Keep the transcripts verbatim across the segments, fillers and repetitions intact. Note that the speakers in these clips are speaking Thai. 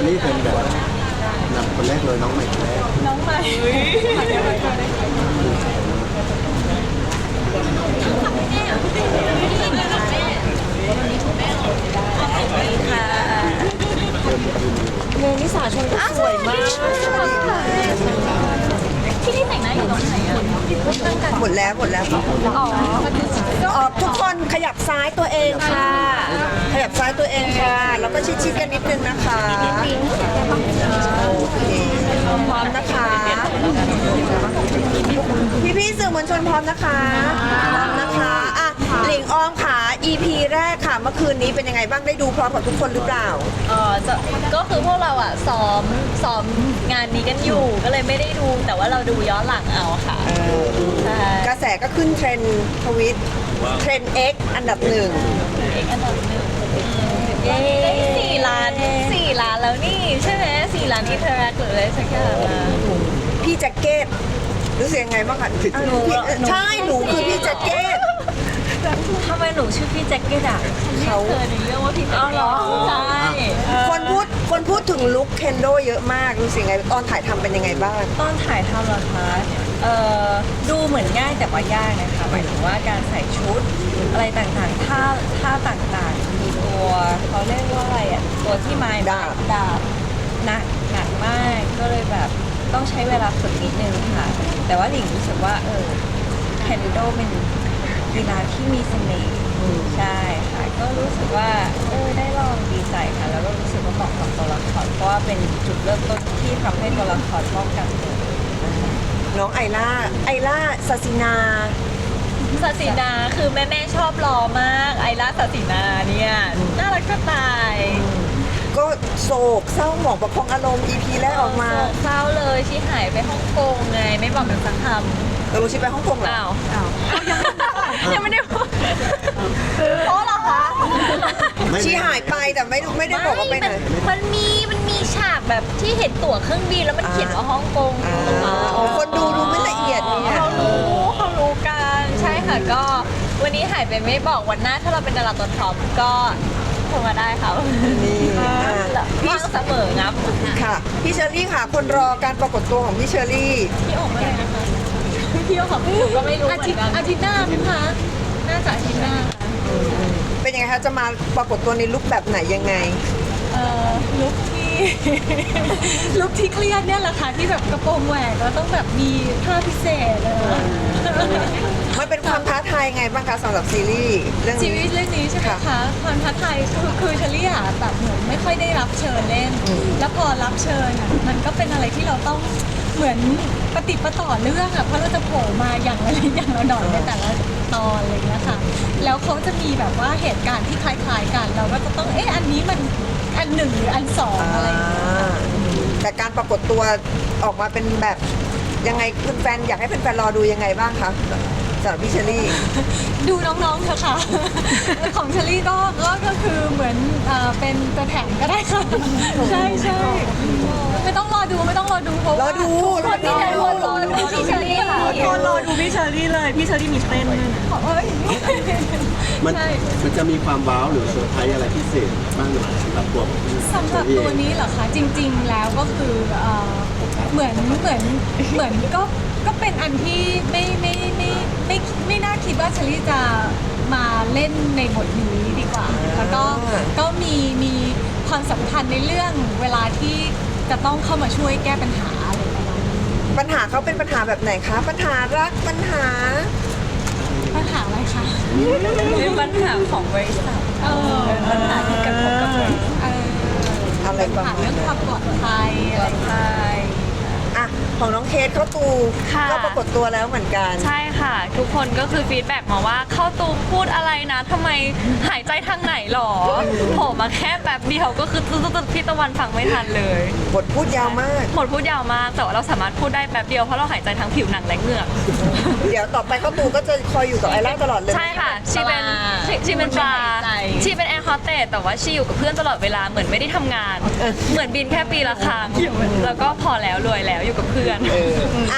รี่เป็นแบบนำคนแรกเลยน้องใหม่คนแรกน้องใหม่ค่ะเมนิสาชนก็สวยมากที่นี่แต่งหน้าอยู่ตรงไหนอ่ะหมดแล้วหมดแล้วอ๋อออกทุกคนขยับซ้ายตัวเองค่ะ ขยับซ้ายตัวเองค่ะ แล้วก็ชิดๆกันนิดนึงนะคะโอเคพร้อมนะคะ พี่ๆสื่อมวลชนพร้อมนะคะพร้อมนะคะอ่ะหลิงออมค่ะ อี พี แรกค่ะเมื่อคืนนี้เป็นยังไงบ้างได้ดูพร้อมกับทุกคนหรือเปล่าเออจะก็คือพวกเราอ่ะซ้อมซ้อมงานนี้กันอยู่ก็เลยไม่ได้ดูแต่ว่าเราดูย้อนหลังเอาค่ะใช่กระแสก็ขึ้นเทรนด์ทวิตเทรนด์ X อันดับหนึ่งเอกอันดับหนึ่งเย้ได้สี่ล้านสี่ล้านแล้วนี่ใช่ไหมสี่ล้านอินเทอร์แอคหรืออะไรสักอย่างอะพี่แจ็คเก็ตรู้สึกยังไงบ้างคะอ่ะหนูพี่ใช่หนูคือพี่แจ็คเก็ตทำไมหนูชื่อพี่แจ็คเก็ตอ่ะเขาเคยในเรื่องว่าพี่แจ็คเก็ตใช่คนพูดคนพูดถึงลุคเคนโดเยอะมากรู้สึกยังไงตอนถ่ายทำเป็นยังไงบ้างตอนถ่ายทำเหรอคะเอ่อดูเหมือนง่ายแต่ว่ายากนะคะหมายถึงว่าการใส่ชุดอะไรต่างๆท่าท่าต่างๆมีตัวเขาเรียกว่าอะไรอ่ะตัวที่ไม้ดาบดาบหนักหนักมากก็เลยแบบต้องใช้เวลาฝึกนิดนึงค่ะ แต่ว่าหลิงรู้สึกว่าเออเคนโดเป็นกีฬาที่มีเสน่ห์ใช่ค่ะก็รู้สึกว่าเออได้ลองดีใจค่ะแล้วก็รู้สึกว่าเหมาะกับตัวละครเพราะว่าเป็นจุดเริ่มต้นที่ทำให้ตัวละครป้องกันตัวน้องไอล่าไอล่าซาซินาศาสินาคือแม่แม่ๆชอบรอมากไอร่าศาสินาเนี่ยน่ารักจะตายก็โศกเศร้าหมองประคองอารมณ์ อี พี แรกออกมาโศกเศร้าเลยชี้หายไปฮ่องกงไงไม่บอกกันสักคำเรารู้ชิไปฮ่องกงเหรออ้าวอ้าวยังไม่ได้พูดเพราะเหรอคะไม่ชีหายไปแต่ไม่ไม่ได้บอกว่าไปไหนมันมันมีมันมีฉากแบบที่เห็นตั๋วเครื่องบินแล้วมันเขียนว่าฮ่องกงอ่าอ๋อคนดูดูไม่ละเอียดเนี่ยเขารู้เขารู้กันใช่ค่ะก็วันนี้หายไปไม่บอกวันหน้าถ้าเราเป็นดาราตัวท็อปก็โทรมาได้ค่ะนี่อ่าว่างเสมองับค่ะ พี่เชอรี่ค่ะ คนรอการปรากฏตัวของพี่เชอรี่พี่โอ๋มาเลยนะคะพี่โอ๋ของพี่ก็ไม่รู้อาทิตย์อาทิตย์หน้ามั้งคะน่าจะอาทิตย์หน้าเป็นยังไงคะจะมาปรากฏตัวในลุคแบบไหนยังไงเอ่อลุคที่ ลุคที่เครียดเนี่ยแหละค่ะที่แบบกระโปรงแหวกแล้วต้องแบบมีผ้าพิเศษเลยมันเป็นความท้าทายไงบ้างคะสำหรับซีรีส์เรื่องชีนี้วิตเรื่องนี้ใช่ไหมค่ะคะความท้าทายคือคือเชลี่อะแบบเหมือนไม่ค่อยได้รับเชิญเล่น แล้วพอรับเชิญอะมันก็เป็นอะไรที่เราต้องเหมือนปฏิปต่อเรื่องอะเพราะเราจะโผล่มาอย่างละนิดอย่างละหน่อยในแต่ละตอนอะไรอย่างเงี้ยค่ะแล้วเขาจะมีแบบว่าเหตุการณ์ที่คล้ายๆกัน เราก็จะต้องเอ๊ะอันนี้มันอันหนึ่งหรืออันสองอะไรอย่างเงี้ยอ่าแต่การปรากฏตัวออกมาเป็นแบบยังไงคุณแฟนอยากให้แฟนๆรอดูยังไงบ้างคะสำหรับพี่เชอรี่ดูน้องๆเถอะค่ะ ของเชลี่ก็ก็ก็คือเหมือนเอ่อเป็นตัวแถมก็ได้ค่ะ ใช่ใช่ไม่ต้องรอดูไม่ต้องรอดูเพราะว่ารอดูรอดูพี่รอดูพี่เชลี่ค่ะคนรอดูพี่เชอรี่เลย พี่เชอรี่มีเต้นด้วยนะเอ้ยมันใช่มันจะมีความว้าวหรือเซอร์ไพรส์อะไรพิเศษบ้างหรือเปล่าสำหรับตัวของพี่สำหรับตัวนี้เหรอคะจริง ๆ แล้วก็คือเอ่อเหมือนเหมือนเหมือนก็ก็เป็นอันที่ไม่ไม่ไม่ไม่ไม่น่าคิดว่าเชลี่จะมาเล่นในบทนี้ดีกว่า แล้วก็ก็มีมีความสำคัญในเรื่องเวลาที่จะต้องเข้ามาช่วยแก้ปัญหาอะไรประมาณนี้ปัญหาเขาเป็นปัญหาแบบไหนคะ ปัญหารักปัญหาปัญหาอะไรคะเป็นปัญหาของบริษัทเออปัญหาที่กระทบกับบริษัทเอออะไรประปัญหามาณเรื่องนั้ความนปลอดภัยอะไรอย่างเงี้ยอ่ะของน้องเคสเข้าตูค่ะก็ปรากฏตัวแล้วเหมือนกันใช่ค่ะ ทุกคนก็คือฟีดแบ็กมาว่าเข้าตูมพูดอะไรนะทำไมหายใจทางไหนหรอโผล่มาแค่แบบเดียวก็คือตุ๊ดๆพี่ตะวันฟังไม่ทันเลยบทพูดยาวมากหมดพูดยาวมากแต่ว่าเราสามารถพูดได้แป๊บเดียวเพราะเราหายใจทางผิวหนังและเหงือกเดี๋ยวต่อไปเข้าตูก็จะคอยอยู่กับไอล่าตลอดเลยใช่ค่ะชีเป็นปลาชีชีเป็นปลาหายใจชีเป็นแอร์โฮสเตสแต่ว่าชีอยู่กับเพื่อนตลอดเวลาเหมือนไม่ได้ทำงาน เหมือนบินแค่ปีละครั้งแล้วก็พอแล้วรวยแล้วอยู่กับเพื่อนเอออ่ะ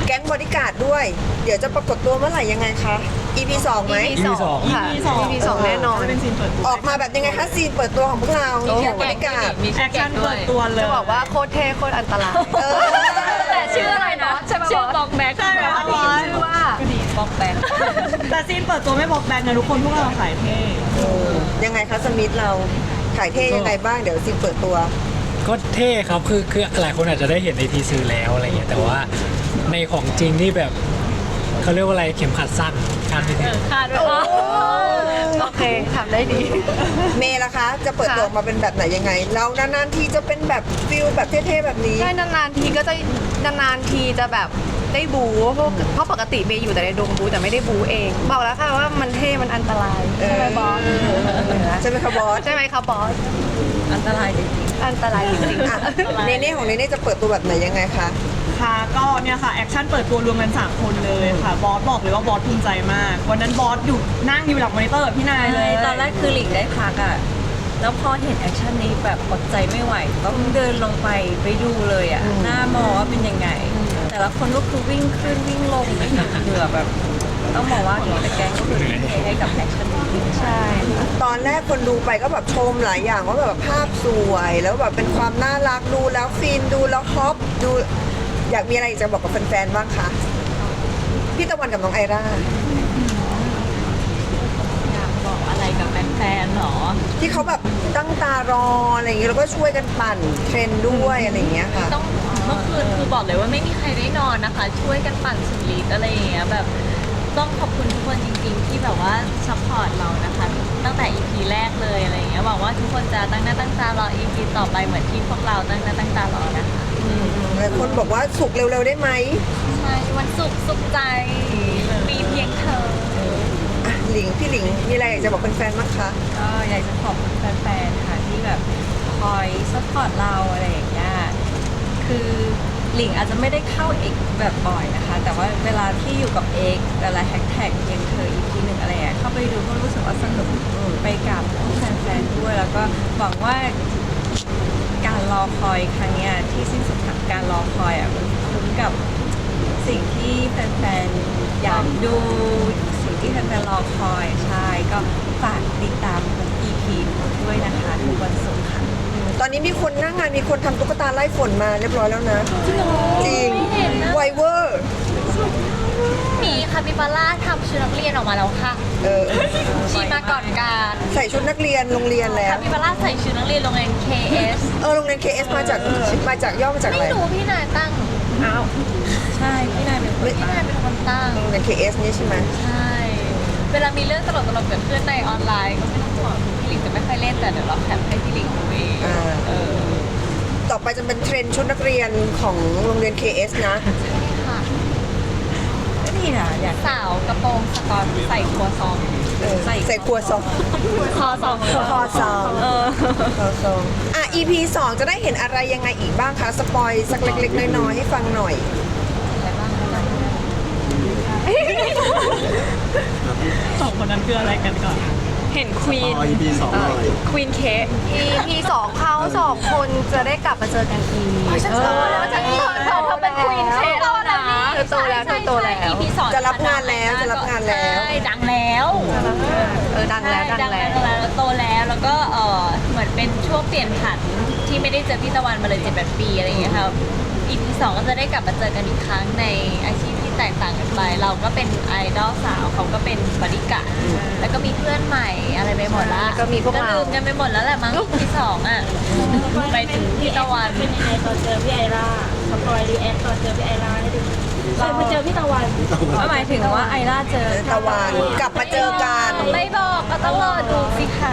แก๊งบอดี้การ์ดด้วย เดี๋ยวจะปรากฏตัวเมื่อไหร่ยังไงคะ อี พี สองไหมอี พี สองค่ะ อี พี สองแน่นอนออกมาแบบยังไงคะซีนเปิดตัวของพวกเราโอ้โหแก๊งบอดี้การ์ดมีแอคชั่นเปิดตัวเลยจะบอกว่าโคตรเท่โคตรอันตรายเออแต่ชื่ออะไรนะชื่อบอกแบ็คใช่ไหมคะชื่อว่าบอกแบ็คแต่ซีนเปิดตัวไม่บอกแบงนะทุกคนพวกเราขายเท่ยังไงคะสมิธเราขายเท่ยังไงบ้างเดี๋ยวซีนเปิดตัวก็เท่ครับคือคือหลายคนอาจจะได้เห็นในทีซือแล้วอะไรเงี้ยแต่ว่าในของจริงนี่แบบเขาเรียกว่าอะไรเข็มขัดสั้นคาดไม่ถึงคาดว่าโอเคทำได้ดีเมย์ล่ะคะ จะเปิดตัวออกมาเป็นแบบไหนยังไง เรานานๆทีจะเป็นแบบฟิลแบบเท่ๆแบบนี้ใช่นานๆทีก็จะนานๆทีจะแบบได้บูเพราะเพราะปกติเมย์อยู่แต่ในดงบูแต่ไม่ได้บูเอง บอกแล้วค่ะว่ามันเท่มันอันตรายใช่ไหมบอสใช่ไหมคะบอสใช่ไหมคะบอสอันตรายจริงๆอันตรายจริงอ่ะเนเน่ของเนเน่จะเปิดตัวแบบไหนยังไงคะค่ะก็เนี่ยค่ะแอคชั่นเปิดตัวรวมกันสามคนเลยค่ะบอสบอกเลยว่าบอสภูมิใจมาก วันนั้นบอสอยู่นั่งอยู่หลังมอนิเตอร์กับพี่นายเลยตอนแรกคือหลิงได้พักอ่ะ แล้วพอเห็นแอคชั่นนี้แบบอดใจไม่ไหว ต้องเดินลงไปไปดูเลยอ่ะ หน้ามอว่าเป็นยังไง แต่ละคนก็คือวิ่งขึ้นวิ่งลงเหงื่อแบบ ต้องบอกว่าทีแต่แกงก็คือทุ่มเทให้กับแอคชั่นนี้จริงๆใช่ตอนแรกคนดูไปก็แบบชมหลายอย่างว่าแบบภาพสวย แล้วแบบเป็นความน่ารักดูแล้วฟินดูแล้วฮอปดูอยากมีอะไรอีกจะบอกกับแฟนๆบ้างคะพี่ตะวันกับน้องไอร่าอยากบอกอะไรกับแฟนๆหรอที่เขาแบบตั้งตารออะไรอย่างเงี้ยแล้วก็ช่วยกันปั่นเทรนด์ด้วยอะไรอย่างเงี้ยค่ะต้องเมื่อคืนคือบอกเลยว่าไม่มีใครได้นอนนะคะ ช่วยกันปั่นสุดฤทธิ์อะไรอย่างเงี้ยแบบต้องขอบคุณทุกคนจริงๆ ที่แบบว่าซัพพอร์ตเรานะคะ ตั้งแต่ อี พี แรกเลยอะไรอย่างเงี้ยหวังว่าทุกคนจะตั้งหน้าตั้งตารอ อี พี ต่อไปเหมือนที่พวกเราตั้งหน้าตั้งตารอนะคะหลายคนบอกว่าสุกเร็วๆได้ไหมใช่วันศุกร์สุขใจมีเพียงเธออ่ะหลิงพี่หลิงมีอะไรอยากจะบอกแฟนๆบ้างคะก็อยากจะขอบคุณแฟนๆ ค่ะที่แบบคอยซัพพอร์ตเราอะไรอย่างเงี้ย คือหลิงอาจจะไม่ได้เข้าเอกแบบบ่อยนะคะ แต่ว่าเวลาที่อยู่กับเอกแต่ละแฮชแท็กยังเคยอีพีหนึ่งอะไรอ่ะเข้าไปดูก็รู้สึกว่าสนุกไปกับแฟนๆ ด้วย แล้วก็หวังว่าการรอคอยครั้งเนี้ยที่สิ้นสุดของการรอคอยอ่ะมันคุ้มกับสิ่งที่แฟนๆ อยากดูสิ่งที่แฟนๆ รอคอยใช่ก็ฝากติดตามทุก อี พี ด้วยนะคะทุกวันศุกร์ค่ะตอนนี้มีคนหน้างานมีคนทำตุ๊กตาไล่ฝนมาเรียบร้อยแล้วนะ จริงไวเวอร์มีคาปิบาร่าทำชุดนักเรียนออกมาแล้วค่ะเออชีมาก่อนการใส่ชุดนักเรียนโรงเรียนแล้คาว ปิบาร่าใส่ชุดนักเรียนโรงเรียน เค เอสเออโรงเรียน เค เอส มาจากมาจากย่อมาจากอะไรไม่รู้พี่นายตั้งอ้าวใช่ พี่นายเป็นคนพี่นายเป็นคนตั้งโรงเรียน เค เอส นี่ใช่ไหมใช่ เวลามีเรื่องตลกๆเกิดขึ้นในออนไลน์ก็ไม่ต้องห่วงพี่หลิงจะไม่ค่อยเล่นแต่เดี๋ยวเราแคปให้พี่หลิงดูเองอ่าเออต่อไปจะเป็นเทรนด์ชุดนักเรียนของโรงเรียน เค เอส นะใช่ค่ะก็ดีนะอยากสาวกระโปรงสกอตใส่ครัวซองเออใส่ครัวซองคอซองคอซองเออคอซองอ่ะ อี พี สองจะได้เห็นอะไรยังไงอีกบ้างคะ สปอยสักเล็กๆน้อยๆให้ฟังหน่อยอะไรบ้างอะไรบ้างสองคนนั้นคืออะไรกันก่อนเห็นควีนอ๋อ อี พี สองหน่อยควีนเคส อี พี สองเขาสองคนจะได้กลับมาเจอกันอีกฉันโตแล้วฉันโตแล้วเขาเป็นควีนเชฟแล้วนะเธอโตแล้วเธอโตแล้วอี พี สองจะรับงานแล้วจะรับงานแล้วใช่ดังแล้วเออดังแล้วดังแล้วดังแล้วโตแล้วแล้วก็เออเหมือนเป็นช่วงเปลี่ยนผันที่ไม่ได้เจอพี่ตะวันมาเลยเจ็ดแปดปีอะไรอย่างเงี้ยครับ อี พี สองก็จะได้กลับมาเจอกันอีกครั้งในอาชีพที่แตกต่างกันไป เราก็เป็นไอดอลสาวเขาก็เป็นบริการดแล้วก็มีเพื่อนใหม่อะไรไปหมดละก็มีพวกเราลืมกันไปหมดแล้วแหละมั้ง อี พี สองอ่ะไปถึงพี่ตะวันเป็นยังไงตอนเจอพี่ไอร่าสปอยรีแอคตอนเจอพี่ไอร่าให้ดูเคยมาเจอพี่ตะวันหมายถึงว่าไอร่าเจอตะวันกลับมาเจอกันไม่บอกก็ต้องรอดูสิคะ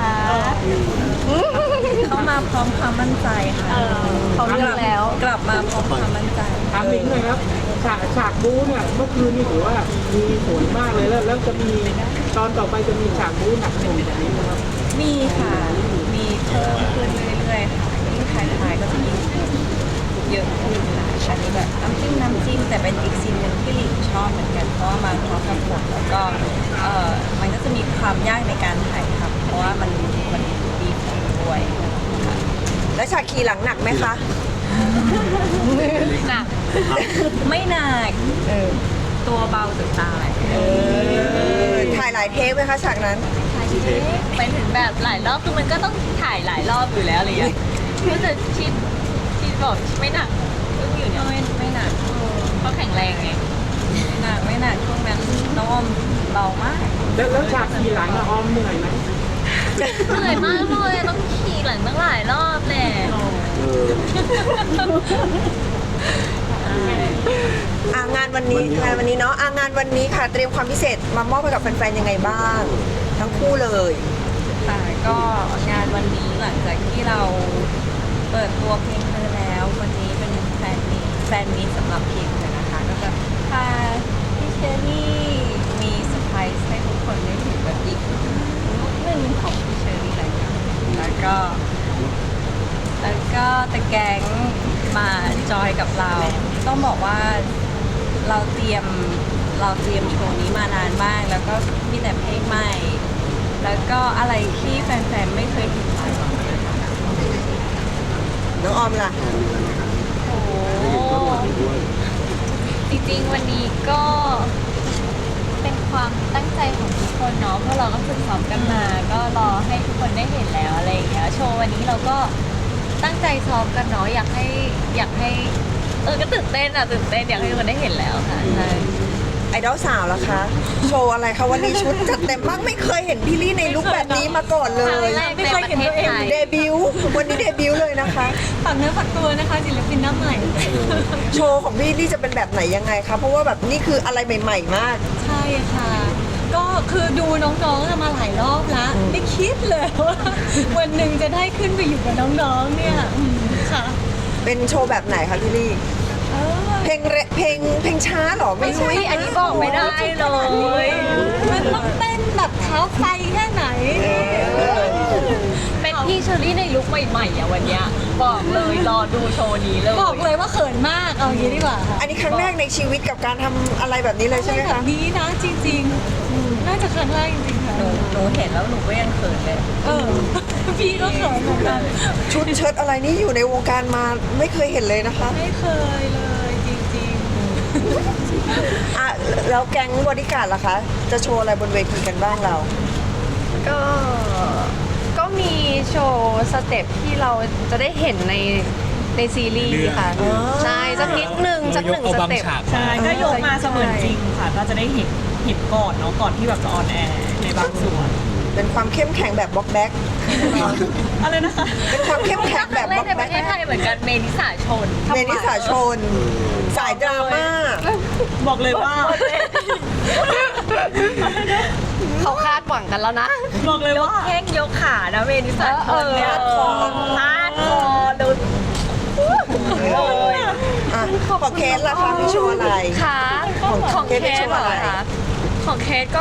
เขามาพร้อมความมั่นใจค่ะเขาเลือกแล้วกลับมาพร้อมความมั่นใจถามหลิงหน่อยครับฉากฉากบู๊เนี่ยเมื่อคืนนี่ถือว่ามีผลมากเลยแล้วแล้วจะมีตอนต่อไปจะมีฉากบู๊หนักหน่วงแบบนี้นะครับมีค่ะ มีเพิ่มขึ้นเรื่อยๆค่ะยิ่งท้ายๆก็จะยิ่งเยอะขึ้นค่ะอันนี้แบบน้ำจิ้มน้ำจิ้มแต่เป็นอีกซีนหนึ่งที่หลิงชอบเหมือนกันเพราะว่ามาพร้อมกับบทแล้วก็เออมันก็จะมีความยากในการถ่ายทำเพราะว่ามันมันดีด้วยค่ะและฉากขี่หลังหนักไหมคะหนักไม่หนักเออตัวเบาจะตายเออถ่ายหลายเทปไหมคะฉากนั้นไปถึงแบบหลายรอบคือมันก็ต้องถ่ายหลายรอบอยู่แล้วอะไรอย่างเงี้ยก็จะชิดชิดบอกไม่หนักก็อยู่เนี่ยไม่ไม่หนักเพราะแข็งแรงไงไม่หนักไม่หนักช่วงนั้นน้องออมเบามากแล้วแล้วฉากขี่หลังอะออมเหนื่อยไหมเหนื่อยมากเลยต้องขี่หลังตั้งหลายรอบแหละเอออ่างานวันนี้งานวันนี้เนาะอ่างานวันนี้ค่ะ เตรียมความพิเศษมามอบให้กับแฟนๆยังไงบ้าง ทั้งคู่เลยค่ะก็งานวันนี้หลังจากที่เราเปิดตัวเพลงเธอแล้ววันนี้เป็นแฟนมีตแฟนมีตสำหรับเพลงเธอนะคะก็จะพาพี่เชอรี่มีเซอร์ไพรส์ให้ทุกคนได้เห็นแบบอีกลุคหนึ่งของพี่เชอรี่เลยค่ะแล้วก็ แล้วก็แต่แก๊งมาจอยกับเรา ต้องบอกว่าเราเตรียมเราเตรียมโชว์นี้มานานมาก แล้วก็มีแต่เพลงใหม่ แล้วก็อะไรที่แฟนๆไม่เคยเห็นมาก่อนเลยค่ะน้องออมล่ะโอ้โหจริงๆวันนี้ก็เป็นความตั้งใจของทุกคนเนาะเพราะเราก็ฝึกซ้อมกันมา ก็รอให้ทุกคนได้เห็นแล้วอะไรอย่างเงี้ยโชว์วันนี้เราก็ตั้งใจซ้อมกันเนาะอยากให้อยากให้เออก็ตื่นเต้นอะตื่นเต้นอยากให้ทุกคนได้เห็นแล้วค่ะใช่ไอดอลสาวล่ะคะ โชว์อะไรคะวันนี้ชุดจัดเต็มมากไม่เคยเห็นพี่ลี่ในลุคแบบนี้มาก่อนเลครั้งยแรกในประเทศไทยเดบิวต์วันนี้เดบิวต์เลยนะคะฝากเนื้อฝากตัวนะคะศิลปินหน้าใหม่โชว์ของพี่ลี่จะเป็นแบบไหนยังไงคะเพราะว่าแบบนี่คืออะไรใหม่ ๆ มากใช่ค่ะ ก็คือดูน้องๆมาหลายรอบแล้วไม่คิดเลยว่าวันหนึ่งจะได้ขึ้นไปอยู่กับน้องๆเนี่ยอืมค่ะเป็นโชว์แบบไหนคะพี่ลี่เออเพลงเรเพลงเพลงช้าเหรอไม่รู้อุ๊ยอันนี้บอกไม่ได้เลยมันต้องเต้นแบบเท้าไฟแค่ไหนเป็นพี่เชอรี่ในลุคใหม่ๆอ่ะวันเนี้ยบอกเลยรอดูโชว์นี้เลยบอกเลยว่าเขินมากเอาอย่างนี้ดีกว่าค่ะอันนี้ครั้งแรกในชีวิตกับการทำอะไรแบบนี้เลยใช่ไหมแบคะบนี้นะจริงๆอืมน่าจะครั้งแรกจริงๆค่ะหนูหนูเห็นแล้วหนูก็ยังเขินเลยเออ พี่ก็เขินเหมือนกันชุดเชิ้ตอะไรนี่อยู่ในวงการมาไม่เคยเห็นเลยนะคะไม่เคยเลยจริงอ่ะแล้วแก๊งบอดี้การ์ดล่ะคะ จะโชว์อะไรบนเวทีกันบ้างเราก็ก็มีโชว์สเต็ปที่เราจะได้เห็นในในซีรีส์ค่ะอ๋อใช่สักนิดหนึ่งสักหนึ่งเอาสบางเต็ปฉากใช่ก็ยกมาเสมือนจริงค่ะ ก็จะได้เห็นเห็นก่อนเนาะก่อนที่แบบจะออนแอร์ในบางส่วนเป็นความเข้มแข็งแบบบล็อกแบ็กอะไรนะคะเป็นความเข้มแข็งคแบรั้บงแรบกล็อกในปแบ็ระกเทศไทยเหมือนกันเมนิสาชนเมนิสาชน สายดราม่าบอกเลยว่าเขาคาดหวังกันแล้วนะบอกเลยว่าแข้งยกขานะเมนิสาชนเนี่ยเออพาดคอดูเลยอ่ะของเคสล่ะคะมีโชว์อะไรค่ะของของเคเคสสเป็นเหรอะอไรคะของเคสก็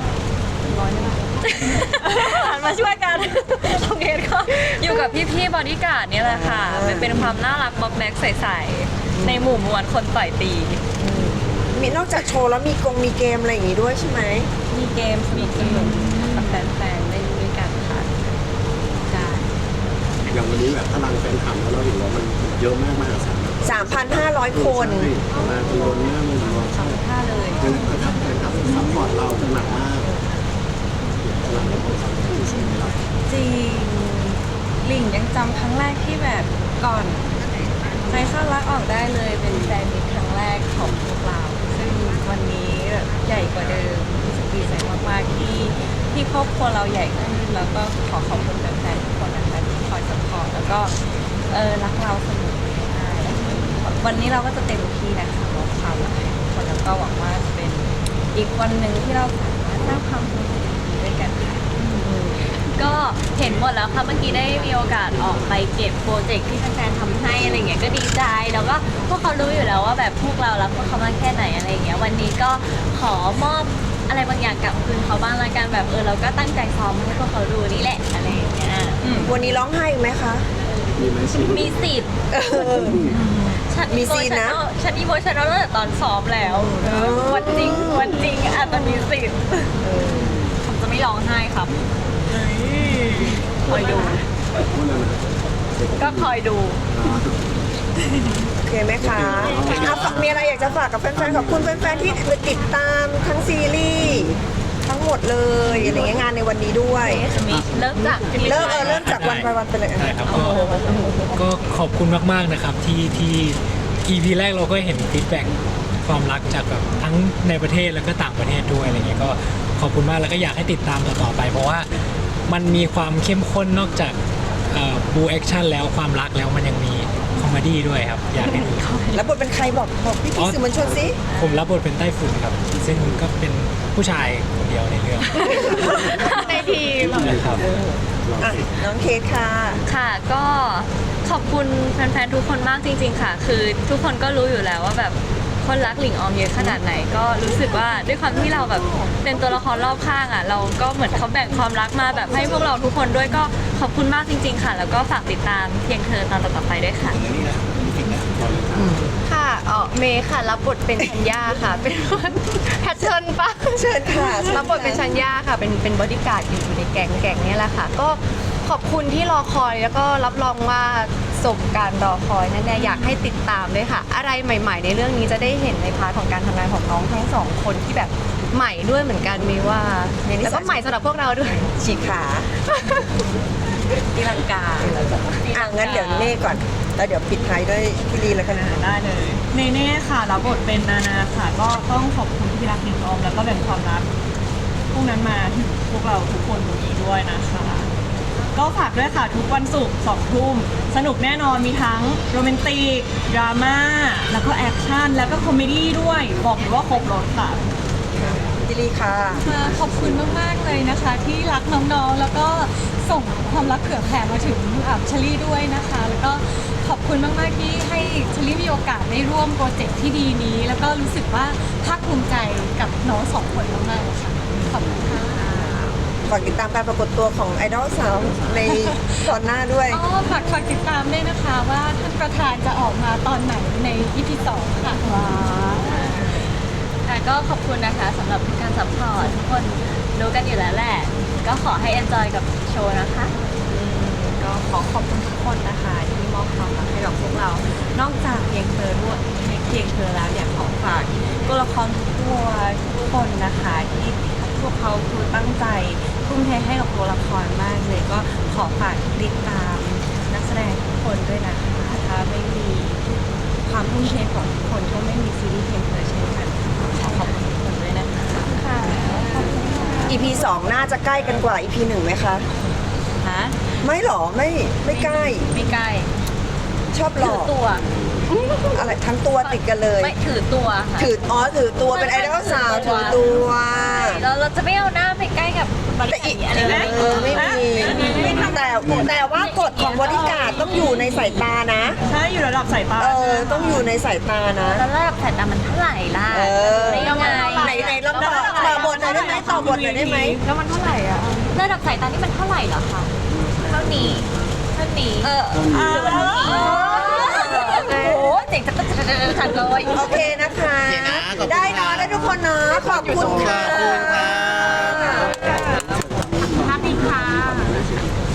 หันมาช่วยกันของเคสก็อยู่กับพี่ๆบอดี้การ์ดเนี่ยแหละค่ะมันเป็นความน่ารักบ็อกแบ็กใสๆในหมู่มวลคนต่อยตีมีนอกจากโชว์แล้วมีกงมีเกมอะไรอย่างงี้ด้วยใช่ไหมมีเกมมีเกมกับแฟนๆเล่นด้วยกันค่ะใช่อย่างวันนี้แบบพลังแฟนคลับแล้วเราเห็นว่ามันเยอะมากมากสามสามพันห้าร้อย คนมาทีคนนี้มันรอสองท่าเลยคือแฟนคลับแฟนคลับซัพพอร์ตเราหนักมากพลังของเราที่สุดในเราจริงหลิงยังจำครั้งแรกที่แบบก่อนใจเข้ารักออกได้เลยเป็นแฟนมิตรครั้งแรกของพวกเรา ซึ่งวันนี้แบบใหญ่กว่าเดิมรู้สึกดีใจมากๆที่ที่ครอบครัวเราใหญ่ขึ้นแล้วก็ขอขอบคุณแฟนๆทุกคนนะคะที่คอยสปอร์ตแล้วก็เออรักเราเสมอใช่วันนี้เราก็จะเต็มที่นะคะมอบความรักให้ทุกคนแล้วก็หวังว่าจะเป็นอีกวันหนึ่งที่เราสามารถสร้างความสุขดีๆด้วยกันค่ะ ก็เห็นหมดแล้วค่ะเมื่อกี้ได้มีโอกาสออกไปเก็บโปรเจกต์ที่แฟนๆทำให้อะไรเงี้ยก็ดีใจแล้วก็พวกเขารู้อยู่แล้วว่าแบบพวกเรารักพวกเขามากแค่ไหนอะไรเงี้ยวันนี้ก็ขอมอบอะไรบางอย่างกลับคืนเขาบ้างละกันแบบเออเราก็ตั้งใจซ้อมให้พวกเขาดูนี่แหละอะไรอย่างเงี้ยวันนี้ร้องไห้อีกไหมคะมีไหมสิมีสิทธิ์เออฉันมีซีนนะฉันอีโมชันตั้งแต่ตอนซ้อมแล้ววันจริงวันจริงอาจจะมีสิทธิ์ผมจะไม่ร้องไห้ครับคอยดูพูดแล้วนะก็คอยดูถโอเคไหมคะอ่ะฝากมีอะไรอยากจะฝากกับแฟนๆขอบคุณแฟนๆที่ติดตามทั้งซีรีส์ทั้งหมดเลยอะไรเงี้ยงานในวันนี้ด้วยเริ่มจากเริ่มเออเริ่มจากวันไปวันไปเลยได้ครับก็ก็ขอบคุณมากๆนะครับที่ที่ อี พี แรกเราก็เห็นฟีดแบ็กความรักจากแบบทั้งในประเทศแล้วก็ต่างประเทศด้วยอะไรเงี้ยก็ขอบคุณมากแล้วก็อยากให้ติดตามต่อๆไป เพราะว่ามันมีความเข้มข้นนอกจากบูแอคชั่นแล้วความรักแล้วมันยังมีคอมเมดี้ด้วยครับอยากให้ดูแล้วบทเป็นใครบอกบอกพี่อ๋พี่อสื่อมวลชนสิผมรับบทเป็นไต้ฝุ่นครับ ซึ่งก็เป็นผู้ชายคนเดียวในเรื่องในทีมนะครับอ่ะน้องเคสค่ะค่ะก็ขอบคุณแฟนๆทุกคนมากจริงๆค่ะ คือทุกคนก็รู้อยู่แล้วว่าแบบคนรักหลิงออมเยอะขนาดไหน ก็รู้สึกว่าด้วยความที่เราแบบเป็นตัวละครรอบข้างอ่ะเราก็เหมือนเขาแบ่งความรักมาแบบให้พวกเราทุกคนด้วยก็ขอบคุณมากจริง ๆ ค่ะ แล้วก็ฝากติดตามเพียงเธอตอนต่อๆไปด้วยค่ะค่ะเออเมย์ค่ะรับบทเป็นชัญญาค่ะ เป็นแพทเทิร์นปะเชิญค่ะรับบทเป็นชัญญาค่ะ เป็นเป็นบอดี้การ์ดอยู่อยู่ในแก๊งแก๊งเนี้แหละค่ะ ก็ขอบคุณที่รอคอยแล้วก็รับรองว่าสมการรอคอยแน่ๆอยากให้ติดตามด้วยค่ะ อะไรใหม่ ๆ ในเรื่องนี้จะได้เห็นในพาร์ทของการทำงานของน้องทั้งสองคนที่แบบใหม่ด้วยเหมือนกันมีว่าแล้วก็ใหม่สำหรับพวกเราด้วยฉีกขาตีลังกาอ่ะงั้นเดี๋ยวเน่ก่อน แล้วเดี๋ยวปิดท้ายด้วยพี่ลีแล้วกันได้เลยเนเน่ค่ะรับบทเป็นนานาค่ะ ก็ต้องขอบคุณที่รักหลิงออมแล้วก็แบ่งความรักพวกนั้นมาถึงพวกเราทุกคนตรงนี้ด้วยนะคะ ก็ฝากด้วยค่ะทุกวันศุกร์สองทุ่มสนุกแน่นอนมีทั้งโรแมนติกดราม่าแล้วก็แอคชั่นแล้วก็คอมเมดี้ด้วย บอกเลยว่าครบรถค่ะพี่ลีค่ะค่ะขอบคุณมาก ๆ เลยนะคะ ที่รักน้องๆ แล้วก็ส่งความรักเผื่อแผ่มาถึงอ่าเชลี่ด้วยนะคะ แล้วก็ขอบคุณมาก ๆ ที่ให้เชลี่มีโอกาสได้ร่วมโปรเจกต์ที่ดีนี้ แล้วก็รู้สึกว่าภาคภูมิใจกับน้องสองคนมากๆค่ะ ขอบคุณค่ะฝากติดตามการปรากฏตัวของไอดอลสาวในตอนหน้าด้วยอ๋อฝากฝากติดตามด้วยนะคะว่าท่านประธานจะออกมาตอนไหนใน อี พี สองค่ะว้าค่ะก็ขอบคุณนะคะสำหรับการซัพพอร์ตทุกคนรู้กันอยู่แล้วแหละ ก็ขอให้ enjoy กับโชว์นะคะก็ขอขอบคุณทุกคนนะคะที่มอบความรักให้กับพวกเรา นอกจากเพียงเธอด้วยเพียงเธอแล้วอยากขอฝากตัวละครทุกตัวทุกคนนะคะที่พวกเขาคือตั้งใจทุ่มเทให้กับตัวละครมากเลยก็ขอฝากติดตามนักแสดงทุกคนด้วยนะคะถ้าไม่มีความทุ่มเทของทุกคนก็ไม่มีซีรีส์เพียงเธอเช่นกันขอขอบคุณทุกคนด้วยนะคะอี พี สองน่าจะใกล้กันกว่า อี พี หนึ่งไหมคะฮะไม่หรอ ไม่ไม่ใกล้ไม่ใกล้ชอบหลถืออก ตัวอะไรทั้งตัวติดกันเลยไม่ถือตัวค่ะถืออ๋อถือตัวเป็นไอดอลสาวถือตัวเราเราจะไม่เอาหน้าไปใกล้กับบริแต่ษัอีทกอะไรนะเออไม่มีแต่แต่ว่ากฎของบริการดต้องอยู่ในสายตานะใช่อยู่ระดับสายตาเออต้องอยู่ในสายตานะแล้วระดับสายตามันเท่าไหร่ล่ะเออไม่ยังไงไหนไหนลองต่อต่อบทหน่อยได้ไหมต่อบทหน่อยได้ไหมแล้วมันเท่าไหร่อ่ะระดับสายตานี่มันเท่าไหร่เหรอคะเท่านี้เท่านี้เออหรือว่าเท่านี้โอ้โหเจ๋งจังจังจังจังเลยโอเคนะคะโอเคนะขอบคุณได้เนอะค่ะได้ทุกคนเนาะขอบคุณค่ะขอบคุณค่ะ